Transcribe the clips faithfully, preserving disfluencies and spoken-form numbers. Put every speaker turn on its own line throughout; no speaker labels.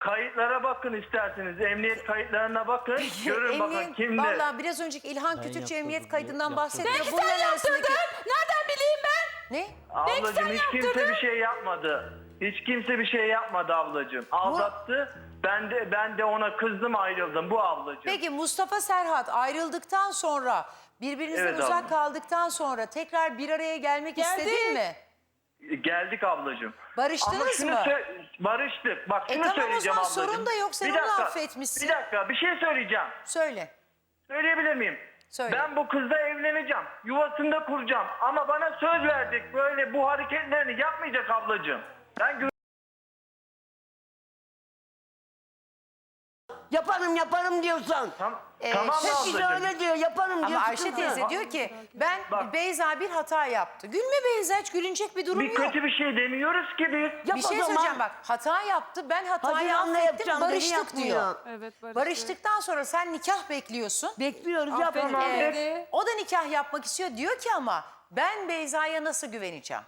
Kayıtlara bakın isterseniz. Emniyet kayıtlarına bakın. Görün bakın kimde.
Vallahi biraz önceki İlhan Kütükçü emniyet kaydından bahsediyor.
Belki
Bunların
sen
arasındaki-
yaptırdın. Nereden bileyim ben?
Ne?
Ablacığım
sen
hiç kimse
yaptırdın.
bir şey yapmadı. Hiç kimse bir şey yapmadı ablacığım. Aldattı. Ben de ben de ona kızdım, ayrıldım. Bu ablacığım.
Peki Mustafa Serhat ayrıldıktan sonra, birbirinizden
Evet
uzak
abla.
kaldıktan sonra tekrar bir araya gelmek
Geldik.
istedin mi?
Geldik ablacığım.
Barıştınız
Ama şunu
mı?
sö- barıştık. Bak
E
şunu
tamam, o
söyleyeceğim
zaman
ablacığım.
sorun da yok. Sen
Bir
onu
dakika,
affetmişsin.
Bir dakika bir şey söyleyeceğim.
Söyle.
Söyleyebilir miyim?
Söyle.
Ben bu kızla evleneceğim. Yuvasında kuracağım. Ama bana söz verdik. Böyle bu hareketlerini yapmayacak ablacığım. Ben gö-
Yaparım yaparım diyorsun.
Tam,
Ee,
tamam
hep
Hep bize
ablacığım.
öyle diyor yaparım diyor.
Ama Ayşe
sıkıntı.
teyze diyor ki ben
Bak.
Beyza bir hata yaptı. Gülme Beyza, hiç gülünecek bir durum
Bir
yok.
kötü bir şey demiyoruz ki biz.
Yap
Bir
o
şey
zaman.
söyleyeceğim bak. Hata yaptı. Ben hatayı
Haziran'da
affettim.
yapacağım dedi,
Barıştık
yapmıyor.
diyor.
Evet barıştık.
Barıştıktan sonra sen nikah bekliyorsun.
Bekliyoruz
Aferin.
yapalım.
Tamam.
Dedi.
O da nikah yapmak istiyor. Diyor ki ama ben Beyza'ya nasıl güveneceğim?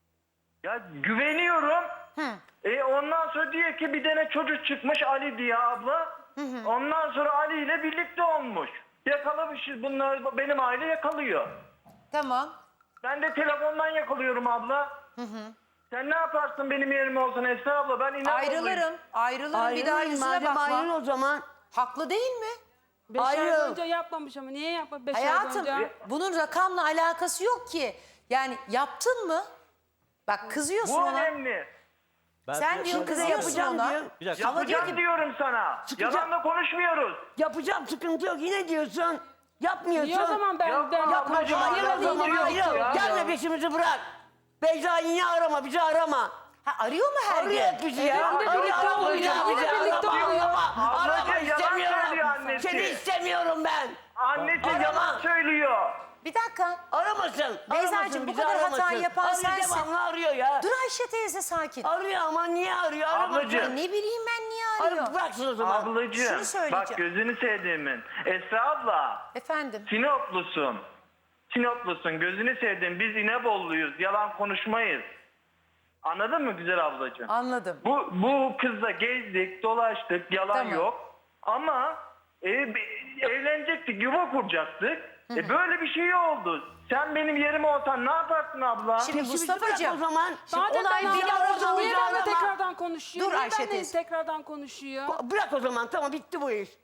Ya güveniyorum. E ondan sonra diyor ki bir tane çocuk çıkmış Ali diye abla. Ondan sonra Ali ile birlikte olmuş. Yakalamışız bunlar, benim aile yakalıyor.
Tamam.
Ben de telefondan yakalıyorum abla. Sen ne yaparsın benim yerim olsan Esra abla? Ben inan
Ayrılırım. Ayrılırım. Bir daha
Ayrılın
yüzüne
madem ayrıl
bakma.
o zaman.
Haklı değil mi?
Beş ay
Ayrıl.
önce yapmamış ama niye yapma? Beş
Hayatım
ay önce.
bunun rakamla alakası yok ki. Yani yaptın mı? Bak kızıyorsun
Bu
ona.
önemli.
Ben
Sen
bir-
diyor
Kızı
kızıyorsun
yapacağım
ona.
diyor.
Bir dakika.
Ama diyor
Yapacağım
ki
diyorum sana.
Çıkacak.
Yalanla konuşmuyoruz.
Yapacağım sıkıntı yok yine diyorsun. Yapmıyorsun.
Niye o zaman ben,
Yok,
ben
yok,
yapmadım?
yok,
Hayır o
yok,
zaman
yok,
hayır.
ya.
Gelme peşimizi bırak. Beyza yine arama bizi arama.
ha, arıyor mu her
Arıyor
gün?
bizi ya.
bir de
Arıyor,
birlikte
arama
oluyor.
bizi,
Bir de
arama,
birlikte
arama,
oluyor.
arama.
Ablacığım,
Arama
yalan söylüyor
istemiyorum.
annesi.
Seni istemiyorum ben.
Annesi
Arama.
yalan söylüyor.
Bir dakika.
Aramasın.
Beyzacığım,
aramasın,
bu
bizi
kadar hatayı
aramasın.
yapan
arıyor,
sensin.
Devamlı arıyor ya.
Dur Ayşe teyze sakin.
Arıyor ama niye arıyor? Aramasın.
Ablacığım.
Ne bileyim ben niye arıyor?
Arı bıraksın o zaman.
Ablacığım
Şunu söyleyeceğim.
bak gözünü sevdiğimin. Esra abla
Efendim.
Sinoplusun. Sinoplusun gözünü sevdim. Biz İnebolluyuz. Yalan konuşmayız. Anladın mı güzel ablacığım?
Anladım.
Bu, bu kızla gezdik, dolaştık, yalan
Tamam.
yok. Ama e, evlenecektik, yuva kuracaktık. E, böyle bir şey oldu. Sen benim yerime olsan ne yaparsın abla?
Şimdi
Peşimizi bırak
Mustafa'cığım.
o zaman.
Madem
olay
ben
bir
aramadım,
arada
niye benimle
arama.
tekrardan konuşuyor?
Dur
Niye
Ayşe
benimle
teyze.
tekrardan konuşuyor?
Bırak o zaman tamam bitti bu iş.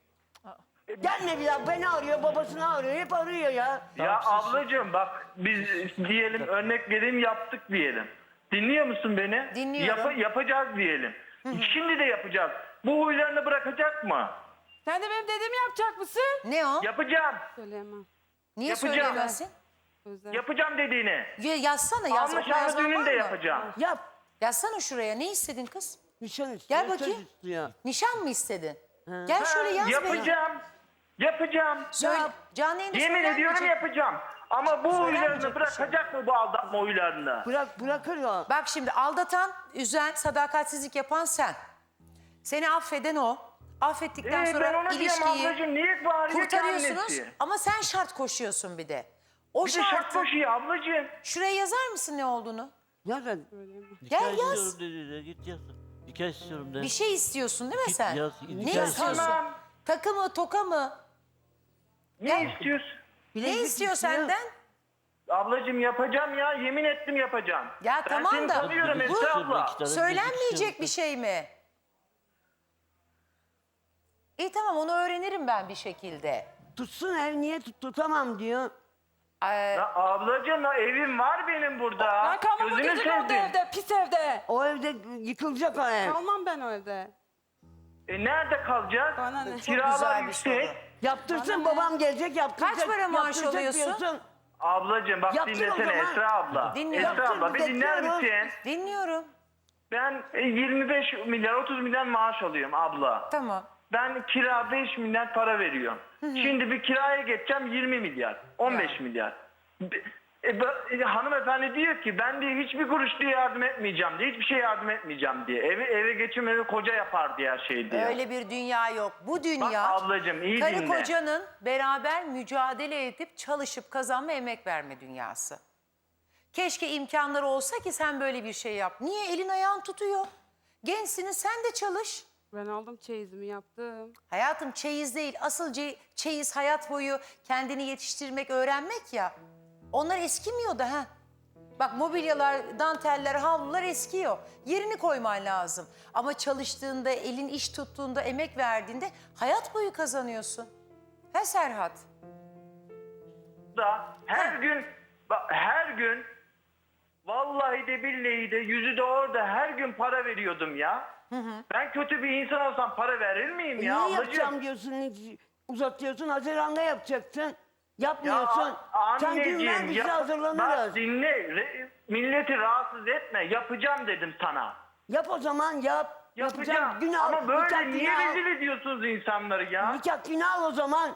Gelme bir daha beni arıyor babasını arıyor hep arıyor ya.
Ya ablacığım bak biz diyelim örnek vereyim yaptık diyelim. Dinliyor musun beni?
Dinliyorum.
Yap- yapacağız diyelim. Şimdi de yapacağız. Bu huylarını bırakacak mı?
Sen de benim dediğimi yapacak mısın?
Ne o?
Yapacağım.
Söyleyemem.
Niye
yapacağım.
söyleyemezsin?
Özlem.
Yapacağım dediğini.
Ya yazsana yaz.
Almış
okuma yazman
düğününü
var
de
mı?
yapacağım.
Yap.
Yazsana şuraya. Ne istedin kız?
Nişan istiyor.
Gel bakayım.
söz istiyor.
Nişan mı istedin? Gel şöyle
Ha,
yaz beni.
yapacağım. Yapacağım.
Söyle.
Yap.
Canlı yayında
Yemin
söylenmeyecek.
ediyorum yapacağım. Ama bu
Söylenmeyecek
huylarını
bir şey.
bırakacak mı bu aldatma huylarını?
Bırak bırakır o.
Bak şimdi aldatan, üzen, sadakatsizlik yapan sen. Seni affeden o. Affettikten
Ee, ben
sonra
ona diyorum
ilişkiyi
ablacığım niye bağırıyor ki
kurtarıyorsunuz.
annesi?
Ama sen şart koşuyorsun bir de. O
Bir de şart
şartı
koşuyor ablacığım.
şuraya yazar mısın ne olduğunu?
Ya sen
Nikah
Gel yaz.
istiyorum dedi de git yaz. Nikah istiyorum de.
Bir şey istiyorsun değil mi
Git
sen?
yaz,
Ne
nikah
istiyorsun?
Tamam.
Takı mı, toka mı?
Ne
Gel.
istiyorsun?
Ne
bileklik
istiyor senden?
Ablacığım yapacağım ya. Yemin ettim yapacağım.
Ya
ben
tamam
seni
da
tanıyorum
bu-
Esra
bu-
abla.
iki tane
Söylenmeyecek bir şey mi? İyi tamam onu öğrenirim ben bir şekilde.
tutsun ev niye tut tutamam diyor.
Ee,
Ya ablacığım ya evim var benim burada.
Ben kalmam o
Gözünü
gece orada
seveyim.
evde, pis evde.
O evde yıkılacak o ev.
Kalmam ben o evde.
E nerede kalacağız?
Bana ne? Çok
Kiralar
güzel bir
yüksek.
soru.
Yaptırsın babam gelecek yaptıracak.
Kaç para maaş
yaptıracak
alıyorsun?
diyorsun.
Ablacığım bak
Yaptır o
dinlesene
zaman.
Esra abla.
Dinliyorum.
Esra abla bir
Yaptır,
dinler
bekliyorum.
misin?
dinliyorum.
Ben e, yirmi beş milyar otuz milyar maaş alıyorum abla.
Tamam.
Ben kira beş milyar para veriyorum. Şimdi bir kiraya geçeceğim yirmi milyar, on beş milyar. E, be- e, hanımefendi diyor ki ben diye hiçbir kuruş diye yardım etmeyeceğim diye, hiçbir şey yardım etmeyeceğim diye. Eve, eve geçim evi koca yapar diye her şey diye.
Öyle bir dünya yok. Bu dünya
Bak ablacığım iyi
karı
dinle.
kocanın beraber mücadele edip çalışıp kazanma, emek verme dünyası. Keşke imkanları olsa ki sen böyle bir şey yap. Niye? Elin ayağın tutuyor. Gençsiniz sen de çalış.
Ben aldım çeyizimi yaptım.
Hayatım çeyiz değil. Asıl ce- çeyiz hayat boyu kendini yetiştirmek, öğrenmek ya. Onlar eskimiyor da ha. Bak mobilyalar, danteller, havlular eskiyor. Yerini koyman lazım. Ama çalıştığında, elin iş tuttuğunda, emek verdiğinde hayat boyu kazanıyorsun. He Serhat?
Da her gün bak, her gün vallahi de billahi de yüzü de orada her gün para veriyordum ya. Ben kötü bir insan olsam para verir miyim
E
ya
niye
ablacığım?
yapacağım diyorsun, hiç uzatıyorsun. Haziran'da yapacaksın. Yapmıyorsun.
a-
Sen gün ver
anneciğim,
biz
yap-
de hazırlanırız.
Bak dinle, re- milleti rahatsız etme. Yapacağım dedim sana.
Yap o zaman yap.
Yapacağım.
Yapacağım. Gün al.
Ama böyle
nikah
niye
günü al.
rezil ediyorsunuz insanları ya?
Nikah günü al o zaman.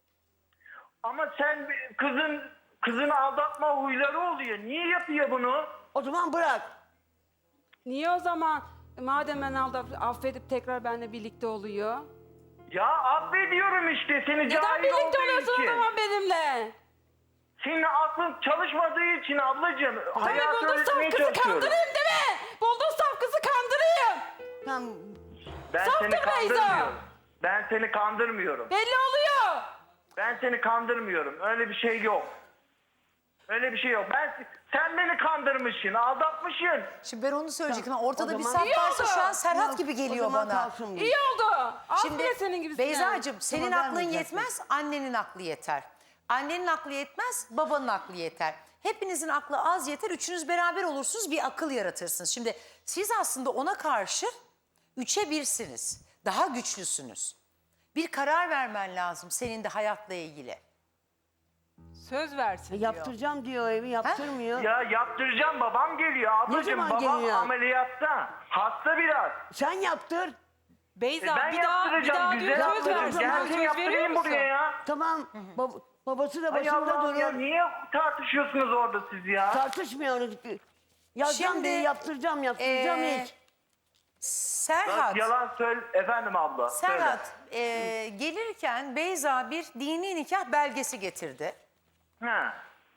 Ama sen kızın kızını aldatma huyları oluyor. Niye yapıyor bunu?
O zaman bırak.
Niye o zaman madem ben aldım affedip tekrar benimle birlikte oluyor?
Ya affediyorum işte seni
Neden
cahil
birlikte
olduğu
oluyorsun o
için.
zaman benimle?
Senin aklın çalışmadığı için ablacığım.
Tabii
Hayatı
buldum saf
öğretmeye
kızı
çalışıyorum.
kandırayım değil mi? Buldum saf kızı kandırayım.
Tamam.
Ben
Saftır
seni
Beyza.
kandırmıyorum. Ben seni kandırmıyorum.
Belli oluyor.
Ben seni kandırmıyorum. Öyle bir şey yok. Öyle bir şey yok. Ben sen beni kandırmışsın, aldatmışsın.
Şimdi ben onu söyleyecektim. Ortada
O
bir
zaman-
saf
İyi
varsa
oldu.
şu an Serhat
Yok,
gibi
o
geliyor
zaman
bana.
kalsın bu.
İyi oldu.
Şimdi
Şimdi senin gibisine.
Beyzacığım senin
Ama
aklın
vermeyeceksin.
yetmez, annenin aklı yeter. Annenin aklı yetmez, babanın aklı yeter. Hepinizin aklı az yeter, üçünüz beraber olursunuz, bir akıl yaratırsınız. Şimdi siz aslında ona karşı üçe birsiniz, daha güçlüsünüz. Bir karar vermen lazım senin de hayatla ilgili.
Söz versin
E,
diyor.
yaptıracağım diyor, evi yaptırmıyor.
Ya yaptıracağım, babam geliyor ablacığım.
zaman
Babam
geliyor?
ameliyatta. Hasta biraz.
Sen yaptır.
Beyza
E ben
bir daha bir
yaptıracağım
daha
güzel
diyor söz
ablacığım.
versin.
Gelsin
Söz veriyor
yaptırayım
musun?
buraya ya.
Tamam. Bab- babası da
Ay
başında
Allah'ım ya,
duruyor.
niye tartışıyorsunuz orada siz ya?
Tartışmıyoruz. Yazacağım
Şimdi,
diye yaptıracağım, yaptıracağım
ee,
hiç.
Serhat,
Bak, yalan söyle efendim abla. söyle.
Serhat e, gelirken Beyza bir dini nikah belgesi getirdi.
Ha.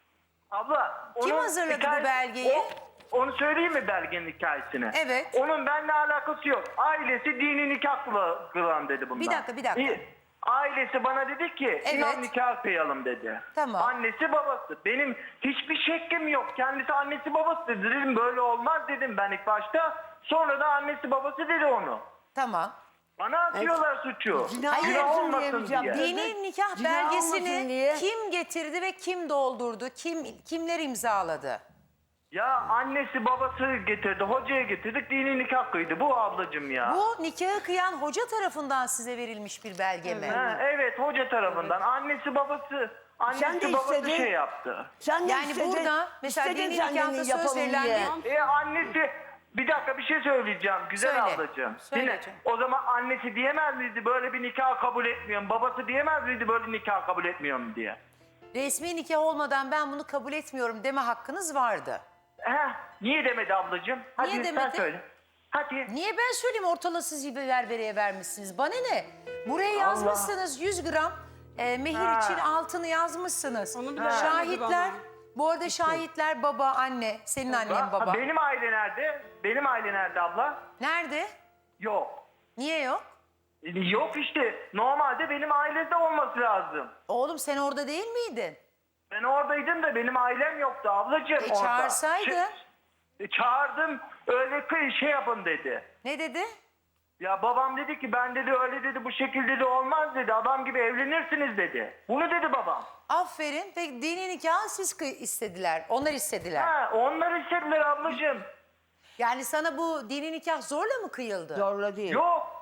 Abla.
Kim
onun
hazırladı bu
hikayesi-
belgeyi?
O- onu söyleyeyim mi belgenin hikayesini?
Evet.
Onun benimle alakası yok. Ailesi dini nikah kıla- kılan dedi bundan.
Bir dakika, bir dakika.
İyi. Ailesi bana dedi ki
Evet.
imam nikah kıyalım dedi.
Tamam.
Annesi babası. Benim hiçbir şeklim yok. Kendisi annesi babası dedi. Dedim böyle olmaz dedim ben ilk başta. Sonra da annesi babası dedi onu.
Tamam.
Bana atıyorlar suçu.
Cinayet
Günah
olsun
olmasın
diyemeyeceğim.
diye.
Değil.
Dini nikah
Cina olmasın
belgesini
diye.
kim getirdi ve kim doldurdu? Kim kimler imzaladı?
Ya annesi babası getirdi. Hocaya getirdik. Dini nikah kıydı. Bu ablacığım ya.
Bu nikahı kıyan hoca tarafından size verilmiş bir belge mi?
Ha, evet hoca tarafından. Annesi babası annesi
Sen de
babası
istedin.
şey yaptı.
Sen de
Yani
istedin.
burada mesela
İstedin
dini
sen
nikahta
de
söz
yapalım
verilen
diye.
bir-
E annesi bir dakika bir şey söyleyeceğim güzel
Söyle.
ablacığım.
Söyle
Yine,
canım.
o zaman annesi diyemez miydi böyle bir nikah kabul etmiyorum. Babası diyemez miydi böyle nikah kabul etmiyorum diye.
Resmi nikah olmadan ben bunu kabul etmiyorum deme hakkınız vardı.
Heh, niye demedi ablacığım? Hadi
Niye
sen
demedi?
söyle. Hadi.
Niye ben söyleyeyim ortalığı siz berbereye vermişsiniz? Bana ne? Buraya yazmışsınız yüz gram e, mehir
Ha.
için altını yazmışsınız.
Onu bile vermedi
Şahitler,
bana.
bu arada şahitler baba, anne, senin annen
Ha,
baba.
benim aile nerede? Benim aile nerede abla?
Nerede?
Yok.
Niye yok?
Yok işte. Normalde benim ailede olması lazım.
Oğlum sen orada değil miydin?
Ben oradaydım da benim ailem yoktu ablacığım
E,
orada.
çağırsaydın.
Şey- e, çağırdım öyle kıy- şey yapın dedi.
Ne dedi?
Ya babam dedi ki ben dedi öyle dedi bu şekilde de olmaz dedi. Adam gibi evlenirsiniz dedi. Bunu dedi babam.
Aferin. Peki dini nikahı siz kı- istediler. Onlar istediler.
Ha, onlar istediler ablacığım.
Yani sana bu dini nikah zorla mı kıyıldı?
Zorla değil.
Yok.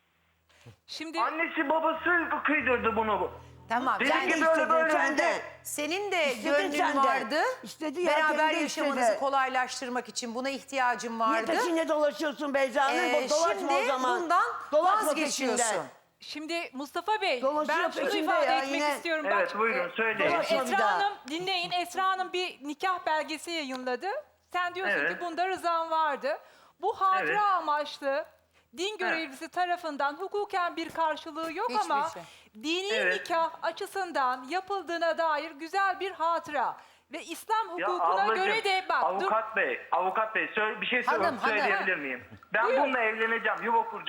Şimdi
Annesi babası kıydırdı bunu.
Tamam.
Dedi
Yani
ki böyle böyle
sen de.
dedi.
senin de
İstedin
gönlün
sen de.
vardı.
İstedi ya,
Beraber
kendi
yaşamanızı
istedi.
kolaylaştırmak için buna ihtiyacın
Niye
vardı.
peşinde dolaşıyorsun Beyza Hanım?
Ee,
Dolaşma
şimdi
o zaman.
bundan
Dolaşma
vazgeçiyorsun.
peşinden.
Şimdi Mustafa Bey,
Dolaşıyor
ben şunu
peşinde
ifade
ya,
etmek
yine.
istiyorum.
Evet
Bak,
buyurun
e,
söyleyin.
Dolaşma bir
Esra
daha.
Hanım dinleyin. Esra Hanım bir nikah belgesi yayınladı. Sen diyorsun
Evet.
ki bunda rızan vardı. Bu hatıra
Evet.
amaçlı din görevlisi tarafından hukuken bir karşılığı yok
Hiçbir
ama
şey.
dini
Evet.
nikah açısından yapıldığına dair güzel bir hatıra. Ve İslam
Ya
hukukuna
ablacığım,
göre de bak dur.
avukat bey, avukat bey söyle, bir şey söyle-
Hanım, hanım.
söyleyebilir miyim? Ben
Buyur.
bununla evleneceğim, yuva kuracağım.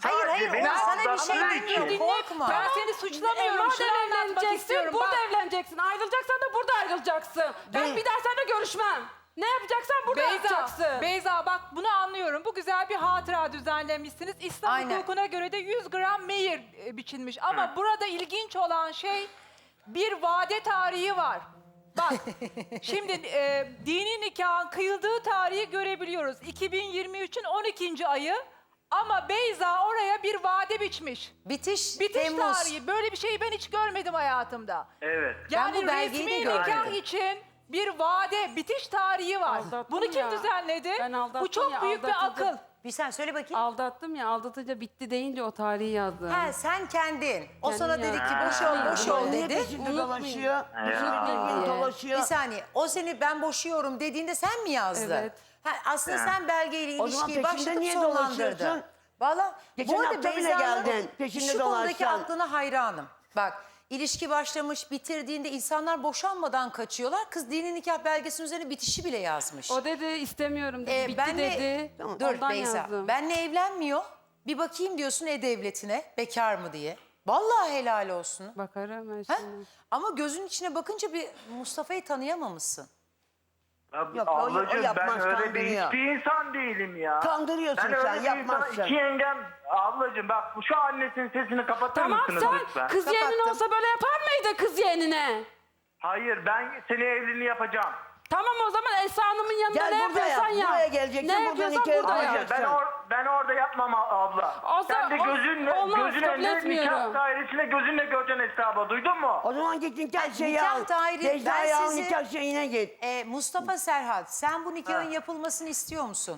Hayır
Sadece
hayır
beni
o sana bir
aldatmak
şey
ben
için.
demiyor.
dinle-
Korkma.
Ben seni suçlamıyorum.
Madem
Şunu anlatmak
evleneceksin,
istiyorum.
burada
Bak,
evleneceksin. Ayrılacaksan da burada ayrılacaksın. Ben
Ben-
bir daha seninle görüşmem. Ne yapacaksan burada
Beyza,
yapacaksın.
Beyza bak bunu anlıyorum. Bu güzel bir hatıra düzenlemişsiniz. İslam
Aynen.
hukukuna göre de yüz gram meyir e, biçilmiş. Ama burada ilginç olan şey bir vade tarihi var. Bak şimdi e, dini nikahın kıyıldığı tarihi görebiliyoruz. iki bin yirmi üçün on ikinci ayı ama Beyza oraya bir vade biçmiş.
Bitiş,
Bitiş
Temmuz.
tarihi. Böyle bir şeyi ben hiç görmedim hayatımda.
Evet.
Yani
bu belgeyi de
resmi
gördüm.
nikah için bir vade, bitiş tarihi var.
Aldattım
Bunu kim
ya.
düzenledi?
Ben aldattım
Bu çok
ya,
büyük bir
aldatıcı.
akıl.
Bir sen söyle bakayım.
Aldattım ya, aldatınca bitti deyince o tarihi yazdım.
Ha sen kendin. O
Kendim
sana dedi ki
yazdım.
boş ol boş ol
Niye
dedi.
peşinde
Unutmayın.
dolaşıyor?
Unutmayın diye.
dolaşıyor.
Bir saniye. O seni ben boşuyorum dediğinde sen mi yazdın?
Evet.
Ha, aslında sen belgeyle
O zaman
ilişkiyi
peşinde
başlatıp
niye
sonlandırdın.
dolaşıyorsun?
Valla
Geçen
bu arada
hafta bile
Beyza'nın
geldin, peşinde
şu konudaki
dolaşsan.
aklına hayranım. Bak ilişki başlamış bitirdiğinde insanlar boşanmadan kaçıyorlar. Kız dini nikah belgesinin üzerine bitişi bile yazmış.
O dedi istemiyorum dedi,
Ee,
bitti
benle-
dedi.
Dur
Ondan
Beyza.
yazdım.
Benle evlenmiyor. Bir bakayım diyorsun e-devletine bekar mı diye. Vallahi helal olsun.
Bakarım ben
Ha?
şimdi.
Ama gözün içine bakınca bir Mustafa'yı tanıyamamışsın.
Abi,
Yok, o- o
ablacığım ben
yapmaz,
öyle bir
kandırıyor.
hiçbir insan değilim ya.
Kandırıyorsun
ben öyle
sen,
bir insan-
yapmazsın.
İki yengem ablacığım bak şu annesinin sesini kapatır
Tamam
mısınız
sen
lütfen?
kız yeğenin
Kapattım.
olsa böyle yapar mıydı kız yeğenine?
Hayır ben seni evliliğini yapacağım.
Tamam o zaman Esra Hanım'ın yanında
Gel
ne
burada
yapıyorsan
yap,
yap.
buraya geleceksin,
Ne
buradan
yapıyorsan
iki ev
burada
Hayır
yap.
ben,
yapacaksın.
or ben orada yapmam a- abla.
O
Sen de
zaman- o-
gözünle,
olmaz,
gözün
kabul
önünde
etmiyorum.
nikah dairesine gözünle göreceksin Esra duydun mu?
O zaman git nikah şeyi
nikah
al.
daire-
Beyza'yı
ben
al,
sizi-
nikah şeyine git.
Ee, Mustafa Serhat sen bu nikahın
Ha.
yapılmasını istiyor musun?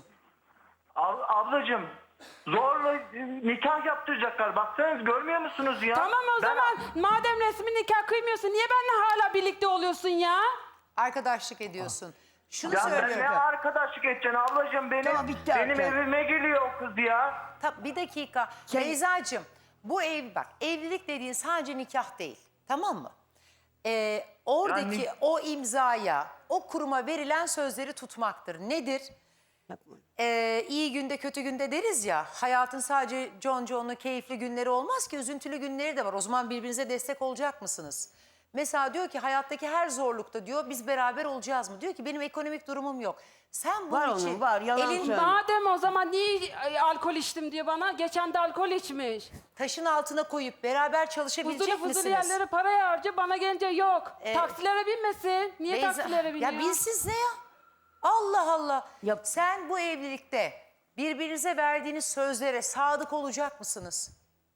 Ab- ablacığım zorla nikah yaptıracaklar. Baksanız görmüyor musunuz ya?
Tamam o
Ben-
zaman madem resmi nikah kıymıyorsun niye benimle hala birlikte oluyorsun ya?
Arkadaşlık ediyorsun. Şunu
Ya ben ne
söylüyorum.
arkadaşlık edeceksin ablacığım benim,
Tamam, bitti
benim
artık.
evime geliyor o kız ya.
Ta- bir dakika.
Sen-
Beyza'cığım bu ev bak evlilik dediğin sadece nikah değil. Tamam mı? Ee, oradaki
Yani-
o imzaya, o kuruma verilen sözleri tutmaktır. Nedir?
Yapma.
Ee, iyi günde kötü günde deriz ya. Hayatın sadece John John'lu keyifli günleri olmaz ki üzüntülü günleri de var. O zaman birbirinize destek olacak mısınız? Mesela diyor ki hayattaki her zorlukta diyor biz beraber olacağız mı? Diyor ki benim ekonomik durumum yok. Sen bunun
Var onun,
için
var, yalan
elin
söylüyor.
Madem o zaman niye ay, alkol içtim diyor bana. Geçen de alkol içmiş.
taşın altına koyup beraber çalışabilecek
Fuzuli fuzuli
misiniz?
yerlere para harca bana gelince yok.
Ee,
Taksilere binmesin. Niye
Beyza-
taksilere biniyor?
Ya binsiz ne ya? Allah Allah.
Yap.
Sen bu evlilikte birbirinize verdiğiniz sözlere sadık olacak mısınız?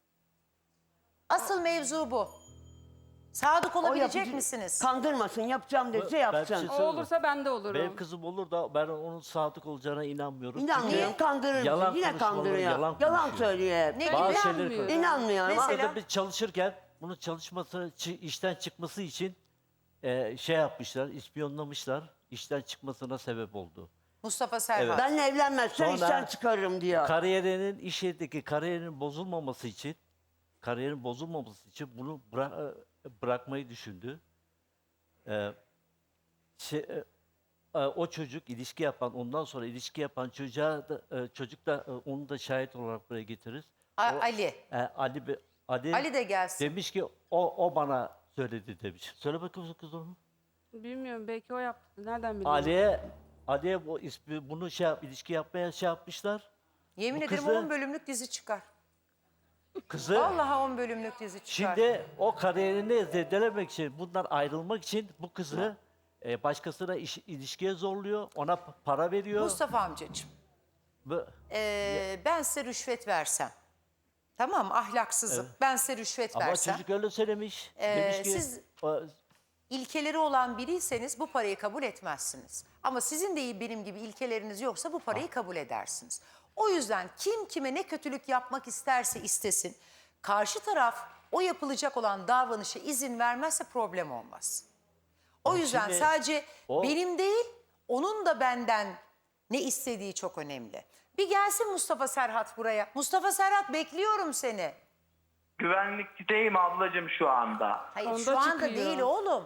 Asıl mevzu bu. Sadık
O
olabilecek
yapıcı-
misiniz?
Kandırmasın, yapacağım
Ben
dese
bir
yapsın.
şey
O
söyleyeyim.
olursa ben de olurum.
Benim kızım olur da ben onun sadık olacağına inanmıyorum.
İnanmıyorum,
Çünkü
kandırır
yalan
bizi. Yine
konuşmaları,
kandırıyor.
yalan
Yalan,
konuşuyor.
söylüyor hep.
Ne
Bazı
gibi?
şeyleri
İnanmıyorum.
koyuyor.
İnanmıyorum ama
Mesela?
Burada biz çalışırken bunun çalışması, çı- işten çıkması için e, şey yapmışlar, ispiyonlamışlar. İşten çıkmasına sebep oldu.
Mustafa Serhat.
Evet.
benle evlenmezsen
Sonra-
işten çıkarırım diyor.
Kariyerinin, iş yerindeki kariyerinin bozulmaması için, kariyerin bozulmaması için bunu bıra- e, bırakmayı düşündü. Ee, şey, e, e, o çocuk ilişki yapan, ondan sonra ilişki yapan çocuğa da, e, çocuk da e, onu da şahit olarak buraya getiririz.
A-
O-
Ali.
E, Ali, Be- Ali,
Ali de gelsin.
demiş ki o, o bana söyledi demiş. Söyle bakayım kız onu.
Bilmiyorum belki o yaptı. Nereden biliyorum?
Ali'ye Ali'ye bu ismi, bunu şey yap, ilişki yapmaya şey yapmışlar.
Yemin
bu
ederim
kızı-
on bölümlük dizi çıkar.
Kızı
Vallahi on bölümlük dizi çıkar.
şimdi o kariyerini zedelemek için, bundan ayrılmak için bu kızı e, başkasına iş, ilişkiye zorluyor, ona p- para veriyor.
Mustafa amcacığım.
Bu-
ee, ben size rüşvet versem. Tamam mı? Ahlaksızım. Ben size rüşvet
Ama
versem.
çocuk öyle söylemiş.
Ee,
Demiş ki,
siz-
o-
İlkeleri olan biriyseniz bu parayı kabul etmezsiniz. Ama sizin de benim gibi ilkeleriniz yoksa bu parayı kabul edersiniz. O yüzden kim kime ne kötülük yapmak isterse istesin, karşı taraf o yapılacak olan davranışa izin vermezse problem olmaz. O yüzden
şimdi
sadece
o-
benim değil, onun da benden ne istediği çok önemli. Bir gelsin Mustafa Serhat buraya. Mustafa Serhat bekliyorum seni.
Güvenlikteyim ablacığım şu anda.
Hayır
Onda
şu anda
çıkıyor.
değil oğlum.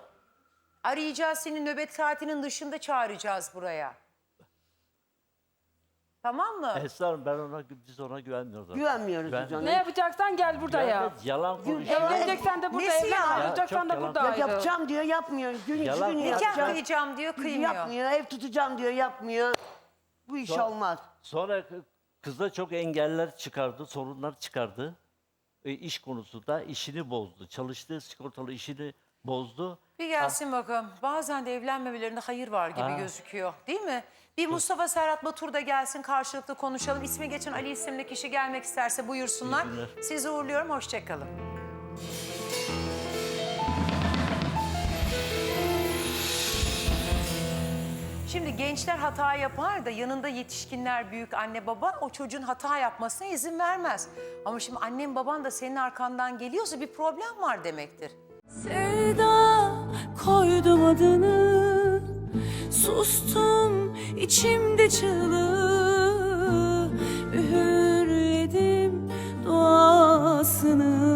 Arayacağız seni nöbet saatinin dışında çağıracağız buraya. Tamam mı?
Esra Hanım ben ona, biz ona güvenmiyoruz. zaten.
Güvenmiyoruz
Güven-
biz ona.
Ne yapacaksan gel burada ya.
Güvenmez, yalan konuşuyor.
Evleneceksen de burada
Nesi
evlen,
ya?
ayrılacaksan
Ya,
da
çok
burada
Ya
ayrıl.
yapacağım diyor yapmıyor. Gün içi
Yalan
günü
konuşuyor.
Nikah
yapacağım.
kıyacağım diyor, kıymıyor.
Yapmıyor. Ev tutacağım diyor yapmıyor. Bu iş
Sonra-
olmaz.
Sonra kıza çok engeller çıkardı, sorunlar çıkardı. E, iş konusunda işini bozdu. Çalıştığı sigortalı işini bozdu.
Bir gelsin bakalım. Bazen de evlenmemelerinde hayır var gibi
Ha.
gözüküyor. Değil mi? Bir Mustafa Serhat Batur da gelsin, karşılıklı konuşalım. İsmi geçen Ali isimli kişi gelmek isterse buyursunlar.
İyi günler.
Sizi uğurluyorum. Hoşçakalın. Şimdi gençler hata yapar da yanında yetişkinler, büyük anne baba o çocuğun hata yapmasına izin vermez. Ama şimdi annen baban da senin arkandan geliyorsa bir problem var demektir.
Sevda koydum adını, sustum içimde çığlığı, üğürledim duasını.